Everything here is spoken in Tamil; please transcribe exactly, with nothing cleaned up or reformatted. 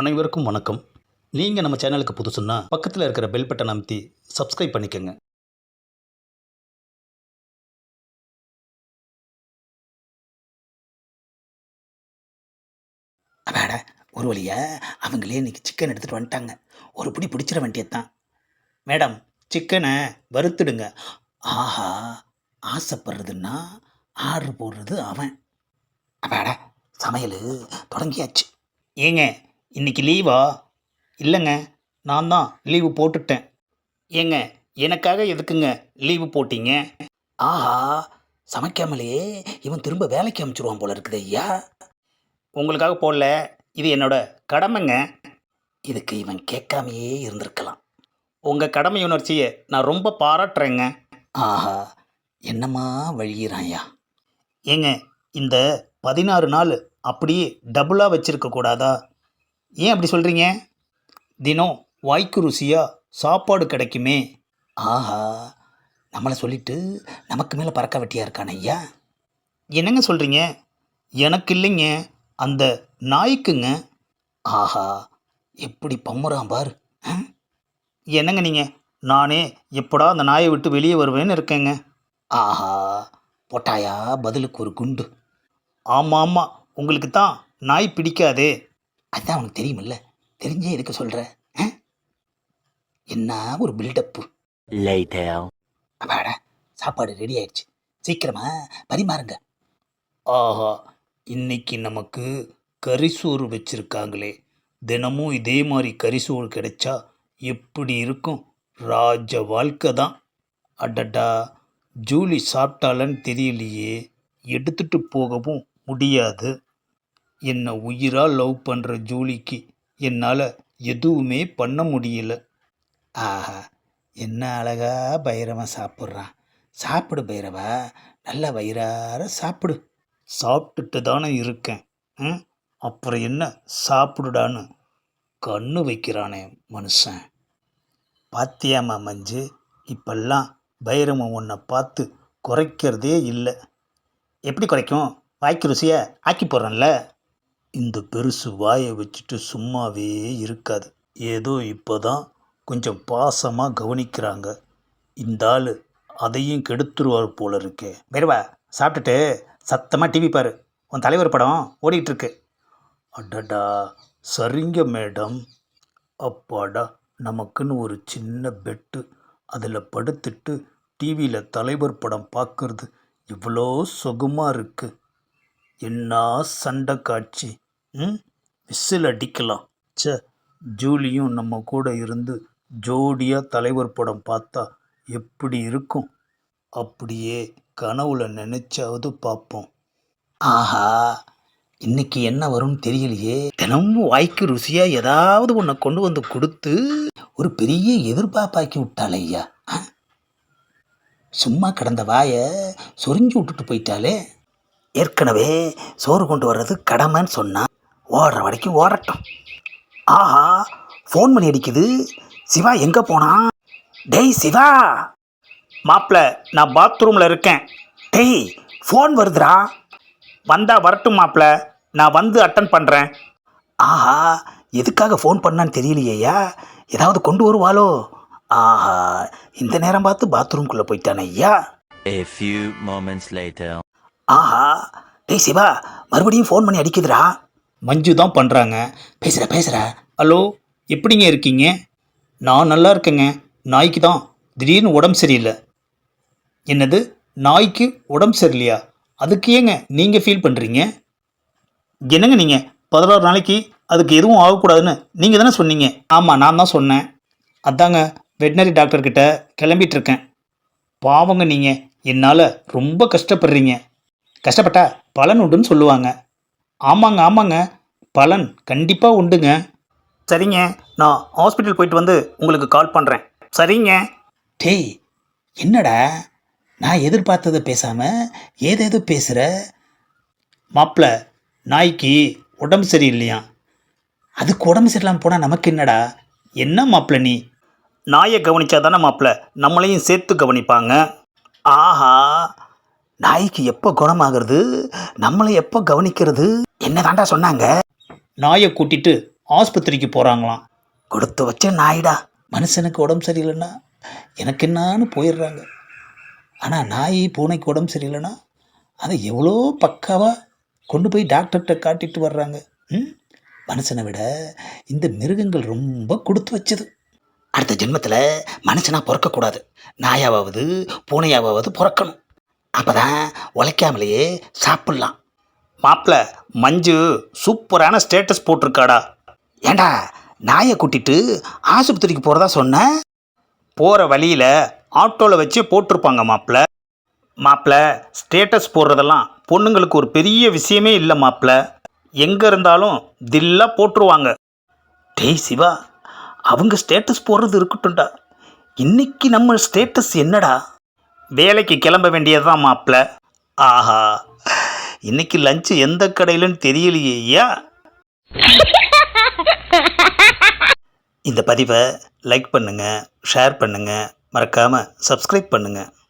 அனைவருக்கும் வணக்கம். நீங்கள் நம்ம சேனலுக்கு புதுசுன்னா பக்கத்தில் இருக்கிற பெல் பட்டன் அமைத்தி சப்ஸ்கிரைப் பண்ணிக்கோங்க. அடாடா, ஒரு வழியா அவங்களே இன்னைக்கு சிக்கன் எடுத்துகிட்டு வந்துட்டாங்க. ஒரு பிடி பிடிச்சிட வேண்டியதுதான். மேடம், சிக்கனை வறுத்துடுங்க. ஆஹா, ஆசைப்படுறதுன்னா ஆர்டர் போடுறது அவன். அடாடா, சமையல் தொடங்கியாச்சு. ஏங்க, இன்னைக்கு லீவா? இல்லைங்க, நான் தான் லீவு போட்டுட்டேன். ஏங்க, எனக்காக எதுக்குங்க லீவு போட்டீங்க? ஆஹா, சமைக்காமலே இவன் திரும்ப வேலைக்கு அனுப்பிச்சிடுவான் போல இருக்குது ஐயா. உங்களுக்காக போடல, இது என்னோட கடமைங்க. இதுக்கு இவன் கேட்காமையே இருந்திருக்கலாம். உங்கள் கடமை உணர்ச்சியை நான் ரொம்ப பாராட்டுறேங்க. ஆஹா, என்னம்மா வழியிறாயா. ஏங்க, இந்த பதினாறு நாள் அப்படியே டபுளாக வச்சிருக்க கூடாதா? ஏன் அப்படி சொல்கிறீங்க? தினம் வாய்க்கு ருசியாக சாப்பாடு கிடைக்குமே. ஆஹா, நம்மளை சொல்லிட்டு நமக்கு மேலே பறக்க வெட்டியாக இருக்கான ஐயா. என்னங்க சொல்கிறீங்க? எனக்கு இல்லைங்க, அந்த நாய்க்குங்க. ஆஹா, எப்படி பம்முறான் பார். ஆ? என்னங்க நீங்கள், நானே எப்படா அந்த நாயை விட்டு வெளியே வருவேன்னு இருக்கேங்க. ஆஹா, போட்டாயா பதிலுக்கு ஒரு குண்டு. ஆமாம் ஆமாம், உங்களுக்கு தான் நாய் பிடிக்காதே. அதான் உனக்கு தெரியுமில்ல, தெரிஞ்சே எதுக்கு சொல்கிற? என்ன ஒரு பில்டப்பு. அப்பாடா, சாப்பாடு ரெடி ஆயிடுச்சு, சீக்கிரமா பரிமாறுங்க. ஆஹா, இன்னைக்கு நமக்கு கரிசோறு வச்சிருக்காங்களே. தினமும் இதே மாதிரி கரிசோறு கிடைச்சா எப்படி இருக்கும்? ராஜ வாழ்க்கை தான். அடடா, ஜூலி சாப்பிட்டாலன்னு தெரியலையே, எடுத்துட்டு போகவும் முடியாது. என்னை உயிராக லவ் பண்ணுற ஜூலிக்கு என்னால் எதுவுமே பண்ண முடியல. ஆஹா, என்ன அழகா பைரவன் சாப்பிட்றான். சாப்பிடு பைரவா, நல்லா வயிறார சாப்பிடு. சாப்பிட்டுட்டு தானே இருக்கேன். ம், அப்புறம் என்ன சாப்பிடுடான்னு கண்ணு வைக்கிறானே மனுஷன். பாத்தியாமா மஞ்சு, இப்பெல்லாம் பைரவன் உன்னை பார்த்து குறைக்கிறதே இல்லை. எப்படி குறைக்கும்? வாய்க்கு ருசியை ஆக்கி போடுறேன்ல. இந்த பெருசு வாயை வச்சுட்டு சும்மாவே இருக்காது. ஏதோ இப்போ தான் கொஞ்சம் பாசமாக கவனிக்கிறாங்க. இந்த ஆள் அதையும் கெடுத்துருவார் போல இருக்கே. பைரவா, சாப்பிட்டுட்டு சத்தமாக டிவி பாரு, உன் தலைவர் படம் ஓடிட்டுருக்கு. அடடா, சரிங்க மேடம். அப்பாடா, நமக்குன்னு ஒரு சின்ன பெட்டு, அதில் படுத்துட்டு டிவியில் தலைவர் படம் பார்க்குறது இவ்வளோ சுகமாக இருக்குது. என்ன சண்டை காட்சி. ம், விசில் அடிக்கலாம். சே, ஜூலியும் நம்ம கூட இருந்து ஜோடியாக தலைவர் படம் பார்த்தா எப்படி இருக்கும்? அப்படியே கனவுல நினைச்சாவது பார்ப்போம். ஆஹா, இன்னைக்கு என்ன வரும்னு தெரியலையே. தினமும் வாய்க்கு ருசியா ஏதாவது ஒன்றை கொண்டு வந்து கொடுத்து ஒரு பெரிய எதிர்பார்ப்பாக்கி விட்டாள் ஐயா. சும்மா கிடந்த வாயை சொரிஞ்சு விட்டுட்டு போயிட்டாலே. ஏற்கனவே சோறு கொண்டு வர்றது கடமைன்னு சொன்னா, ஓடுற வரைக்கும் ஓடட்டும். ஆஹா, ஃபோன் பண்ணி அடிக்குது. சிவா எங்கே போனான்? டேய் சிவா. மாப்பிள்ள, நான் பாத்ரூமில் இருக்கேன். டேய், ஃபோன் வருதுடா. வந்தா வரட்டும் மாப்பிள்ள, நான் வந்து அட்டன் பண்ணுறேன். ஆஹா, எதுக்காக ஃபோன் பண்ணான்னு தெரியலையா? ஏதாவது கொண்டு வருவாளோ? ஆஹா, இந்த நேரம் பார்த்து பாத்ரூம்குள்ளே போயிட்டானே ஐயா. A few moments later. ஆஹா, டேய் சிவா, மறுபடியும் ஃபோன் பண்ணி அடிக்குதுடா. மஞ்சு தான் பண்ணுறாங்க. பேசுகிற பேசுகிற. ஹலோ, எப்படிங்க இருக்கீங்க? நான் நல்லா இருக்கேங்க. நாய்க்கு தான் திடீர்னு உடம்பு சரியில்லை. என்னது, நாய்க்கு உடம்பு சரியில்லையா? அதுக்கு ஏங்க நீங்கள் ஃபீல் பண்ணுறீங்க? என்னங்க நீங்கள், பதினாறு நாளைக்கு அதுக்கு எதுவும் ஆகக்கூடாதுன்னு நீங்கள் தானே சொன்னீங்க. ஆமாம், நான் தான் சொன்னேன். அதாங்க வெட்டினரி டாக்டர்கிட்ட கிளம்பிட்டு இருக்கேன். பாவங்க நீங்கள், என்னால் ரொம்ப கஷ்டப்படுறீங்க. கஷ்டப்பட்டா பலன் உண்டுன்னு சொல்லுவாங்க. ஆமாங்க ஆமாங்க, பலன் கண்டிப்பாக உண்டுங்க. சரிங்க, நான் ஹாஸ்பிட்டல் போயிட்டு வந்து உங்களுக்கு கால் பண்ணுறேன். சரிங்க. டேய், என்னடா நான் எதிர்பார்த்ததை பேசாமல் ஏதேதோ பேசுகிற? மாப்பிள்ள, நாய்க்கு உடம்பு சரியில்லையா? அதுக்கு உடம்பு சரியில்லாமல் போனால் நமக்கு என்னடா? என்ன மாப்பிள்ள நீ? நாயை கவனிச்சா தானே மாப்பிள்ள நம்மளையும் சேர்த்து கவனிப்பாங்க. ஆஹா, நாய்க்கு எப்போ குணமாகிறது, நம்மளை எப்போ கவனிக்கிறது? என்ன தாண்டா சொன்னாங்க? நாயை கூட்டிட்டு ஆஸ்பத்திரிக்கு போகிறாங்களாம். கொடுத்து வச்ச நாயிடா. மனுஷனுக்கு உடம்பு சரியில்லைன்னா எனக்கு என்னான்னு போயிடுறாங்க. ஆனால் நாய் பூனைக்கு உடம்பு சரியில்லைன்னா அதை எவ்வளோ பக்காவாக கொண்டு போய் டாக்டர்கிட்ட காட்டிட்டு வர்றாங்க. ம் மனுஷனை விட இந்த மிருகங்கள் ரொம்ப கொடுத்து வச்சது. அடுத்த ஜென்மத்தில் மனுஷனாக பிறக்கக்கூடாது, நாயாவது பூனையாவது பிறக்கணும். அப்போ தான் உழைக்காமலேயே சாப்பிட்லாம். மாப்பிள்ள மஞ்சு சூப்பரான ஸ்டேட்டஸ் போட்டிருக்காடா. ஏண்டா நாயை கூட்டிட்டு ஆஸ்பத்திரிக்கு போகிறதா சொன்ன? போகிற வழியில் ஆட்டோவில் வச்சு போட்டிருப்பாங்க மாப்பிள்ள. மாப்பிள்ள ஸ்டேட்டஸ் போடுறதெல்லாம் பொண்ணுங்களுக்கு ஒரு பெரிய விஷயமே இல்லை மாப்பிள்ள. எங்கே இருந்தாலும் தில்லாக போட்டுருவாங்க. டேய் சிவா, அவங்க ஸ்டேட்டஸ் போடுறது இருக்கட்டும்டா, இன்னைக்கு நம்ம ஸ்டேட்டஸ் என்னடா? வேலைக்கு கிளம்ப வேண்டியது தான் மாப்பிள்ள. ஆஹா, இன்னைக்கு லஞ்சு எந்த கடையிலன்னு தெரியலையே ஐயா. இந்த பதிவை லைக் பண்ணுங்கள், ஷேர் பண்ணுங்கள், மறக்காமல் சப்ஸ்கிரைப் பண்ணுங்கள்.